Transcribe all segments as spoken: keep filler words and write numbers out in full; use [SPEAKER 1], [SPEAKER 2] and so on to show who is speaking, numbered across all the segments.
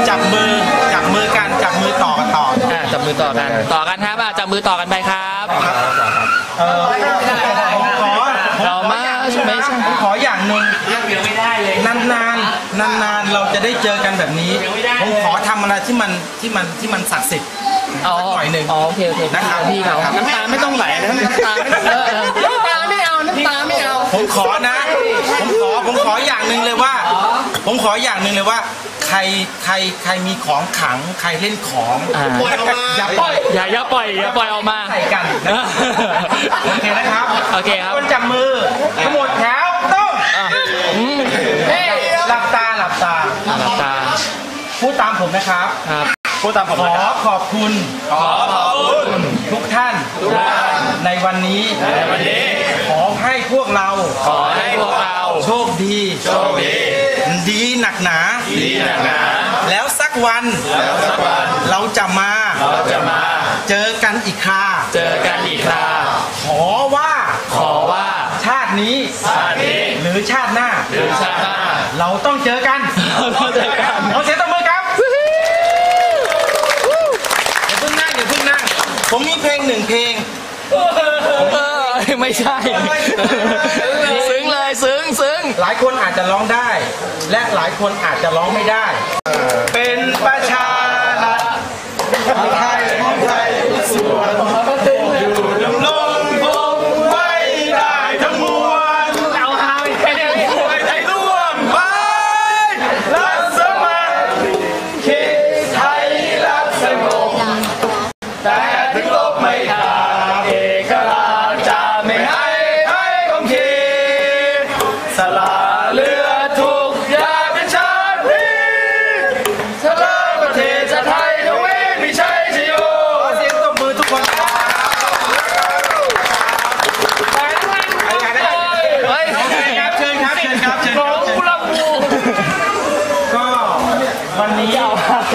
[SPEAKER 1] จับมือจับมือกันจับมือต่อกันต่อ
[SPEAKER 2] อ่าจับมือต่อกันต่อกันครับอ่ะจับมือต่อกันไปครับ
[SPEAKER 1] เออผมขอ
[SPEAKER 2] เรามาไม่ใช่
[SPEAKER 1] ผมขออย่างหนึ่งไม่ได้เลยนานนานนานนานเราจะได้เจอกันแบบนี้ผมขอทำอะไรที่มันที่มันที่มันศักดิ์สิทธิ์
[SPEAKER 2] อ๋อ
[SPEAKER 1] หน่อยหนึ่ง
[SPEAKER 2] อ๋อโอเคโอเค
[SPEAKER 1] นะครับ
[SPEAKER 2] พี่เขา
[SPEAKER 1] น้ำตาไม่ต้องไหลนะน้ำตาน้ำตาไม่เอาน้ำตาไม่เอาผมขอนะผมขอผมขออย่างหนึ่งเลยว่าผมขออย่างหนึ่งเลยว่าใครใครใครมีของขังใครเล่นของ
[SPEAKER 2] ปล่อยออกมาอย่าปล่อยอย่าอย่าปล่อยอย่าปล่อยออกมา
[SPEAKER 1] ใส่กันโอเคนะครับ
[SPEAKER 2] โอเคครับ
[SPEAKER 1] คนจับมือทั้งหมดแถวต้องหลับตาหลับตา
[SPEAKER 2] หลับตา
[SPEAKER 1] พูดตามผมนะครับ
[SPEAKER 2] ครับ
[SPEAKER 1] พูดตามผมขอขอบคุณ
[SPEAKER 2] ขอขอบคุณ
[SPEAKER 1] ทุกท่านในวันนี้
[SPEAKER 2] ในวันนี้
[SPEAKER 1] ขอให้พวกเรา
[SPEAKER 2] ขอให้พวกเรา
[SPEAKER 1] โชคดี
[SPEAKER 2] โชคดี
[SPEAKER 1] ดีหนักหนา
[SPEAKER 2] ดีหนักหนา
[SPEAKER 1] แล้วสักวัน
[SPEAKER 2] แล้วสักวัน
[SPEAKER 1] เราจะมา
[SPEAKER 2] เราจะมา
[SPEAKER 1] เจอกันอีกครา
[SPEAKER 2] เจอกันอีกครา
[SPEAKER 1] ขอว่า
[SPEAKER 2] ขอว่า
[SPEAKER 1] ชาตินี้
[SPEAKER 2] ชาตินี้
[SPEAKER 1] หรือชาติหน้า
[SPEAKER 2] หรือชาติหน้า
[SPEAKER 1] เราต้องเจอกัน
[SPEAKER 2] เราต้องเจอกัน
[SPEAKER 1] ขอเสียงตบมือครับอย่าเพิ่งนั่งอย่าเพิ่งนั่งผมมีเพลงหนึ่งเพลง
[SPEAKER 2] ไม่ใช่ซึ้งเลยซึ้งซึ้ง
[SPEAKER 1] หลายคนอาจจะร้องได้และหลายคนอาจจะร้องไม่ได้เป็นประชารัฐไทยของไทยส่วนอยู่ดำรงคงไว้ได้ทั้งมวล
[SPEAKER 2] เอาหายไปเลย
[SPEAKER 1] ใจร่วมไปรักสมัครคิดไทยรักสงบแต่ถึงลบไม่ขาดเอกราชจะไม่ให้ใครของคิดสละเลือดทุกอย่างเป็นชาตินี้สละประเทศชาติไทยทวีพิชัยชโยเสียงตบมือทุกคนครับ
[SPEAKER 2] ไปทั้งวัน
[SPEAKER 1] เฮ้ยครับเชิญครับเชิญครับเชิญครับ
[SPEAKER 2] กุลาบู
[SPEAKER 1] ก็วันนี้เอา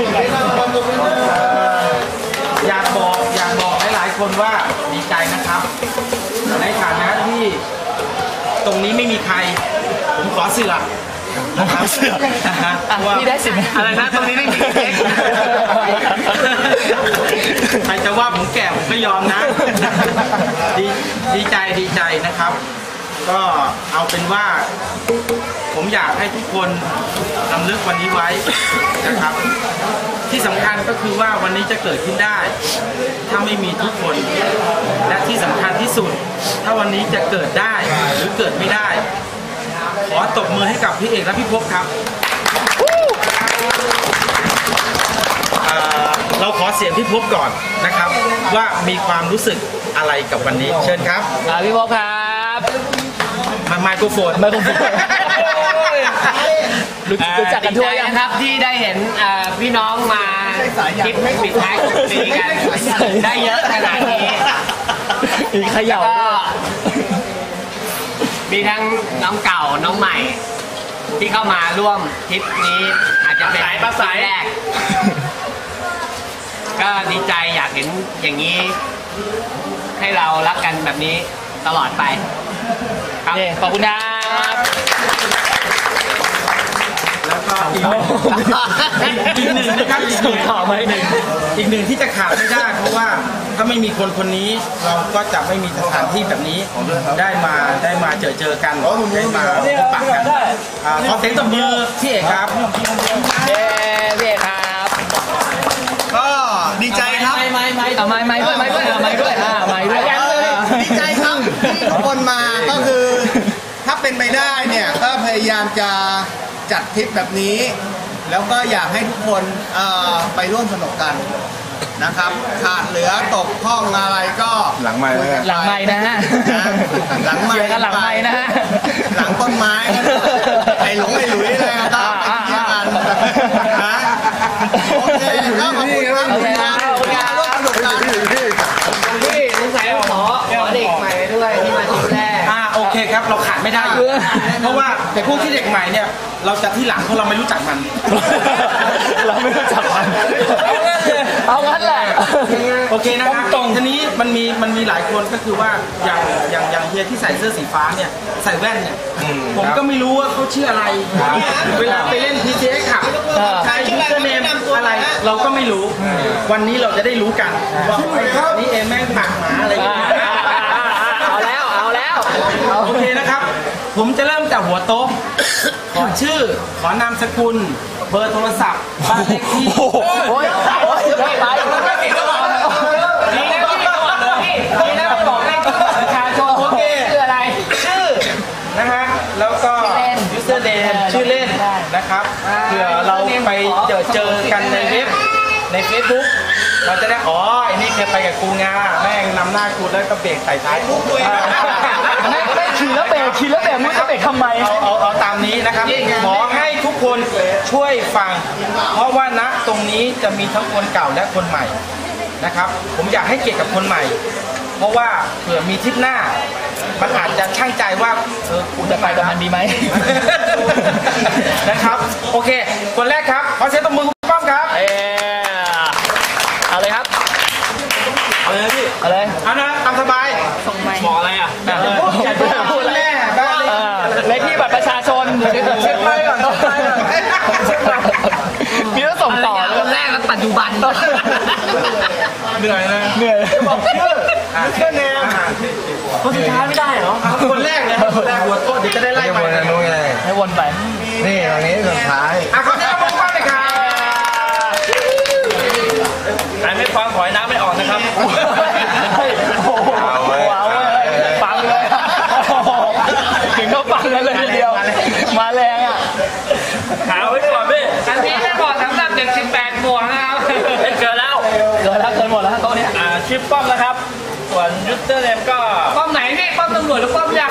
[SPEAKER 1] อยากบอกอยากบอกหลายๆคนว่าดีใจนะครับในฐานะที่ตรงนี้ไม่มีใครผมขอเสือกนะครับเสือก
[SPEAKER 2] พี่ได้สิ
[SPEAKER 1] อะไรนะตรงนี้ไม่มีเค้กใครจะว่าผมแก่ผมก็ยอมนะดีดีใจดีใจนะครับก็เอาเป็นว่าผมอยากให้ทุกคนรำลึกวันนี้ไว้นะครับที่สำคัญก็คือว่าวันนี้จะเกิดขึ้นได้ถ้าไม่มีทุกคนและที่สำคัญที่สุดถ้าวันนี้จะเกิดได้หรือเกิดไม่ได้ขอตบมือให้กับพี่เอกและพี่ภพครับเราขอเสียงพี่ภพก่อนนะครับว่ามีความรู้สึกอะไรกับวันนี้เชิญครับ
[SPEAKER 2] พี่ภพครับ
[SPEAKER 1] มาไมโครโฟน
[SPEAKER 2] ไมโครโฟนรู้จักกันทั่วยัง
[SPEAKER 3] ครับที่ได้เห็นพี่น้องมาคลิปปิดท้ายของปีกันได้เยอะขนาดนี้
[SPEAKER 2] มีขย่า
[SPEAKER 3] มีทั้งน้องเก่าน้องใหม่ที่เข้ามาร่วมทริปนี้อาจจะเป็นภาษาแรกก็ดีใจอยากเห็นอย่างนี้ให้เรารักกันแบบนี้ตลอดไป
[SPEAKER 2] ครับขอบคุณครับ
[SPEAKER 1] แล้วก็อีกหนึ่งนะครับอีกหนึ่ง
[SPEAKER 2] ข่าวมาหนึ่ง
[SPEAKER 1] อีกหนึ่งที่จะขาดไม่ได้เพราะว่าถ้าไม่มีคนคนนี้เราก็จะไม่มีสถานที่แบบนี้ได้มาได้มาเจอเจอกันได้มาพบปะกันขอเสียงตบมือพี่เอกครับ
[SPEAKER 2] เย้พี่เอกครับ
[SPEAKER 1] ก็ดีใจครับ
[SPEAKER 2] ไม่ไม่ไม่เอาไม่ไม่ด้วยไม่ด้วยไม่ด้วยอ่าไม่ด้วย
[SPEAKER 4] ดีใจครับที่ทุกคนมาก็คือถ้าเป็นไปได้เนี่ยก็พยายามจะจัดทริปแบบนี้แล้วก็อยากให้ทุกคนไปร่วมสนุกกันนะครับขาดเหลือตกห้องอะไรก็
[SPEAKER 1] หลังไม้
[SPEAKER 2] หลังไม้นะฮะ
[SPEAKER 4] หลังไม้
[SPEAKER 2] กันหลังไม้นะฮะ
[SPEAKER 4] หลังต้นไม้ไอ้หลงไอ้หลุยเลยครับไปเที่ยวกันนะโอเคก็ขอบคุณครับร่วมสนุกกัน
[SPEAKER 3] พี่สงสัยขอขอเด็กใหม่ด้วยที่มาทีแรก
[SPEAKER 1] อ่าโอเคครับเราขาดไม่ได้เพราะว่าแต่พวกที่เด็กใหม่เนี่ยเราจะที่หลังเพราะเราไม่รู้จักมัน
[SPEAKER 2] เราไม่รู้จักมันเอางั้นแหละ
[SPEAKER 1] โอเคนะครับตรงทีนี้มันมีมันมีหลายคนก็คือว่าอย่างอย่างอย่างเฮียที่ใส่เสื้อสีฟ้าเนี่ยใส่แว่นเนี่ยผมก็ไม่รู้ว่าเขาชื่ออะไรเวลาไปเล่น พี ที เอ็กซ์ ขับใช้ยูเซอร์เนมไม่รู้ วันนี้เราจะได้รู้กันว่านี่เองแม่งหมักหมาอะไรอย่างเงี้ย
[SPEAKER 2] เอาแล้วเอาแล้ว
[SPEAKER 1] โอเคนะครับ ผมจะเริ่มจากหัวโต๊ะ ขอชื่อ ขอนามสกุล เบอร์โทรศัพท์ บ้านเลขที่
[SPEAKER 2] โอ้ยโอ้ยไม่ไป
[SPEAKER 3] ดีนะพี่ก่อนเลยพี่ดีนะพี่บอกเลขประชาชน
[SPEAKER 1] โอเค
[SPEAKER 3] คืออะไร
[SPEAKER 1] ชื่อนะฮะ แล้วก็ user name ชื่อเล่นนะครับ เผื่อเราไปเจอเจอกันในเว็บ ใน Facebook เราจะได้ อ๋อไอ้นี่เคยไปกับกูงาแม่งนำหน้ากูแล้วก็เบรกใส่ท้ายกู
[SPEAKER 2] ไม่ไม่ขี่แล้วเบรกขี่แล้วเบรกไม่รู้จะเบรกทำไม
[SPEAKER 1] เอาเอาเอาตามนี้นะครับ ขอให้ทุกคนช่วยฟัง เพราะว่าณตรงนี้จะมีทั้งคนเก่าและคนใหม่นะครับ ผมอยากให้เกียรติกับคนใหม่ เพราะว่าเผื่อมีทริปหน้า มันอาจจะช่างใจว่าเออกู
[SPEAKER 2] จะไปกับมันดีไหม
[SPEAKER 1] นะครับ โอเค คนแรกครับขอเสียงตบมือคุณป้อมครับ
[SPEAKER 2] เออเอาเลยครับ
[SPEAKER 1] เอาเลยพี่
[SPEAKER 2] เอาเลย
[SPEAKER 1] เอานะตามสบาย
[SPEAKER 3] หมออะไรอ่ะ
[SPEAKER 1] อย่าพูดแม่บ้าน
[SPEAKER 2] เออเลขที่บัตรประชาชน
[SPEAKER 1] เช็คไปก่อนเช็คไปก่อน
[SPEAKER 2] มีต้องส่งต่อ
[SPEAKER 3] อะไร
[SPEAKER 2] เล
[SPEAKER 3] คนแร
[SPEAKER 2] ย
[SPEAKER 3] กและปัจจุบัน
[SPEAKER 1] เหนื่อยนะ
[SPEAKER 2] เหนื่อย
[SPEAKER 1] บอกชื่อชื่อเนม
[SPEAKER 2] คนสุดท้ายไม่ได้เหรอ
[SPEAKER 1] คนแรกเลยคนแรกหัวโต๊ะเดี๋ยวจะได้ไล่ไป
[SPEAKER 2] ให้วนไป
[SPEAKER 5] นี่ตรงนี้สุดท้าย
[SPEAKER 1] อ่ะขอเสียงตบมือป้อมเลยครับ
[SPEAKER 3] ใครไม่ฟังขอยน้ำไม่ออกนะครับ
[SPEAKER 2] เฮ้ยโอ้โหว้าวเว้ยฟังเลยโอ้โหถึงก็ฟังกันเลยทีเดียว มาแรงอ่ะ
[SPEAKER 3] หาไว้ก่อนพี่อันนี้ไม่บอกสำหรับเด็กสิบแปดบวกนะครับเกินแล้ว
[SPEAKER 2] เกินแล้วเกินหมดแล้วโต๊ะเนี้ย
[SPEAKER 3] อ่าชื่อป้อมนะครับ ส่วนยูสเตอร์เนมก็ ป้อมไหนพี่ป้อมตำรวจหรือป้อมยาม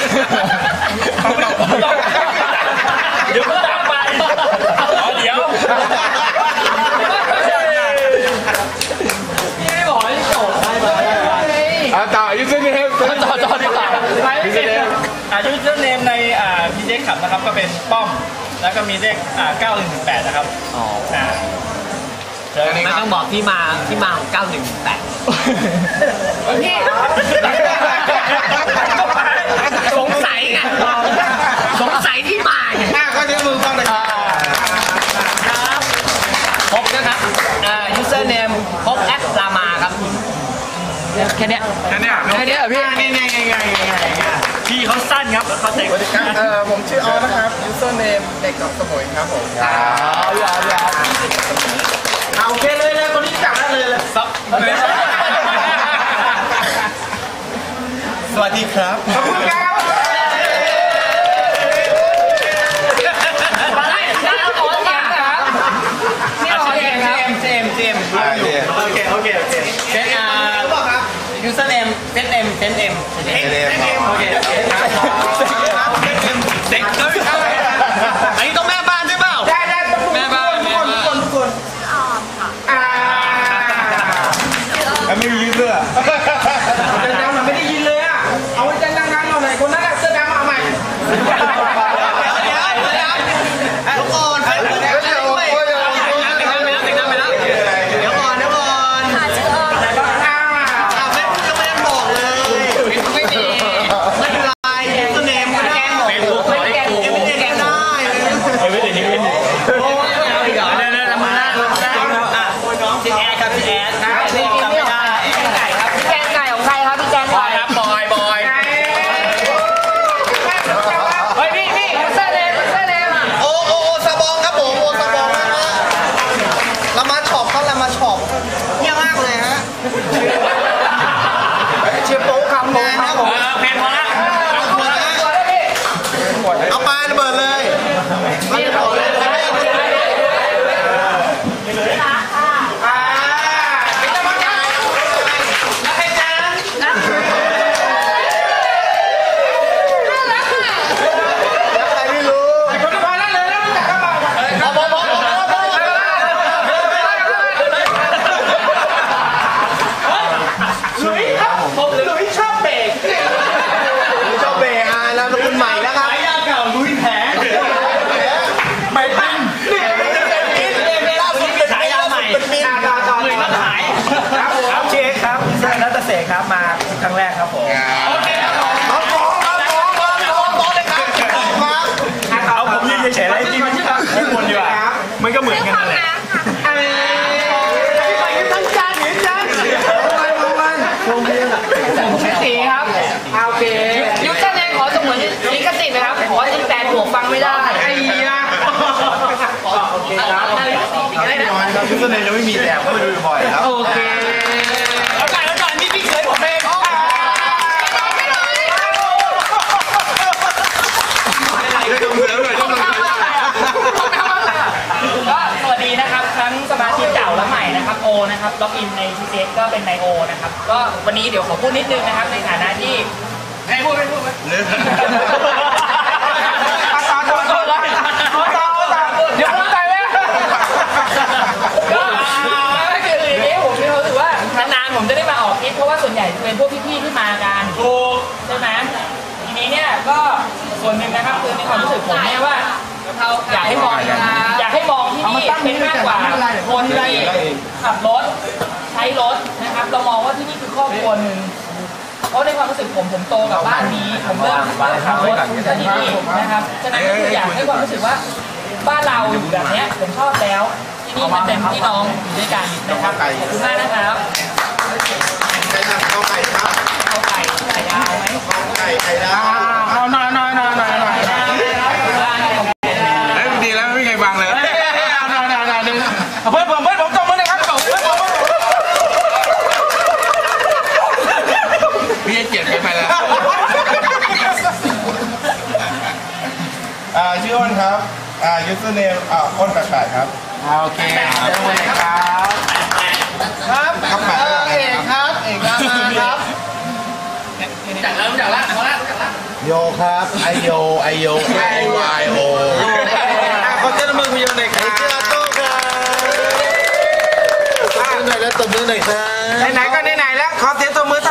[SPEAKER 3] เดี๋ยวก็ตามไปเดี๋ยวพี่ไม่บอกให้โจทย์ให้มา
[SPEAKER 5] อาต่ออายุเส้นนี้
[SPEAKER 2] จอจอจอดีกว่า
[SPEAKER 3] ยูสเตอร์เนมอ่ายูสเตอร์เนมในอ่าพีเจขับนะครับก็เป็นป้อม แล้วก็มีเลขอ่าเก้าหนึ่งแปดนะครับ
[SPEAKER 2] อ๋อ
[SPEAKER 3] อ่าไม่ต้องบอกที่มาที่มาของเก้าหนึ่งแปดพี่สงสัยไงสงสัยที่มาไง
[SPEAKER 1] อ่ะขอเสียงมือป้อมเลยครับ
[SPEAKER 3] พบนะครับอ่า user name พบแอดรามาครับ
[SPEAKER 2] แค่เนี้ย
[SPEAKER 1] แค่เนี้ย
[SPEAKER 2] แค่เนี้ยเหรอพี่
[SPEAKER 1] นี่นี่ไงไงไงไง
[SPEAKER 3] พี่เขาสั้นครับแล้วเขาเด็ก
[SPEAKER 5] เอ่อผมชื่อออนะครับ user name เด็กกับสมุยครับผม
[SPEAKER 2] เอาอย่าอย่า
[SPEAKER 1] เอาโอเคเลยเลยคนนี้จับได้เลยเลย
[SPEAKER 3] ซับ
[SPEAKER 5] สวัสดีครับ
[SPEAKER 1] ขอบคุณครับ
[SPEAKER 3] อะไรนะขอเสียงครับนี่ขอเสียงครับเจมเจม
[SPEAKER 1] โอเคโอเคโอเค
[SPEAKER 3] เซนอ่า user name เซนเอ็มเซนเอ็ม
[SPEAKER 1] โอเคโอเคครับ
[SPEAKER 3] เด็กเลยอันนี้ต้องแม่บ้านใช่เปล่า
[SPEAKER 1] ได้ได้ทุกคน
[SPEAKER 3] แม่บ้าน
[SPEAKER 1] ทุกคนทุกคนทุกคนอ่า
[SPEAKER 5] ไม่มียืดเสื้อ
[SPEAKER 1] ดังๆหน่อยไม่ได้ยินเลยอ่ะเอาไว้ดังๆหน่อยคนครับยูเซอร์เนมยังไม่มีแต่ก็ไปดูบ่อยครับ
[SPEAKER 3] โอเคแล้วก่อนแล้วก่อนนี่พี่เคยผมเองก็สวัสดีนะครับทั้งสมาชิกเก่าและใหม่นะครับโอนะครับล็อกอินใน ที ซี เอ็กซ์ ก็เป็นนายโอนะครับก็วันนี้เดี๋ยวขอพูดนิดนึงนะครับในฐานะที่ให้พูดไม่พูดไหมเดี๋ยวพูดไปไหมก็ไม่คืออย่างนี้ผมมีความรู้สึกว่านานๆผมจะได้มาออกคลิปเพราะว่าส่วนใหญ่จะเป็นพวกพี่ๆที่มากันถูกใช่ไหมทีนี้เนี่ยก็ส่วนหนึ่งนะครับคือในความรู้สึกผมเนี่ยว่าอยากให้มองอยากให้มองที่นี่เป็นมากกว่าคนที่ขับรถใช้รถนะครับเรามองว่าที่นี่คือครอบครัวหนึ่งเพราะในความรู้สึกผมผมโตกับบ้านนี้ผมเริ่มขับรถที่นี่นะครับฉะนั้นก็คืออยากให้ความรู้สึกว่าบ้านเราอยู่แบบนี้ผมชอบแล้วที่นี่มันเป็นพี่น้องอยู่ด้วยกันนะครับขอบคุณมากนะครับ
[SPEAKER 1] ไก่ข้าวไก่ครับ
[SPEAKER 3] เอาไก่ไก่ดาวไหม
[SPEAKER 1] ไก่ไก่ดาว
[SPEAKER 2] เอาหน่อยหน่อยหน่อยหน่อยหน่อย
[SPEAKER 1] เฮ้ยดีแล้วไม่มีใครบังเลย
[SPEAKER 2] หน่อยหน่อยหน่อยหนึ่งเพื่อนผมเพื่อนผมจบมือเลยครับจบเพื่อนผม
[SPEAKER 1] พี่ให้เกียรติไปแล้วอ่าชื่ออ้นครับอ่ายูเซอร์เนมอ่าอ้นแปดๆครับ
[SPEAKER 2] โอเคเจอเลยครับ
[SPEAKER 4] ครับเออเอกครับเอกรามาครับ
[SPEAKER 3] จากแล้วจากแล้วจากแล้วจากแล้ว
[SPEAKER 1] โยครับไอโยไอโยไอวายโอขอเจ้ามือพี่โยหน่อยครับเจ้าโต้ครับตบมือหน่อยแล้วตบมือหน่อยครับไหนๆก็ไหนๆแล้วขอเสียงตบมือ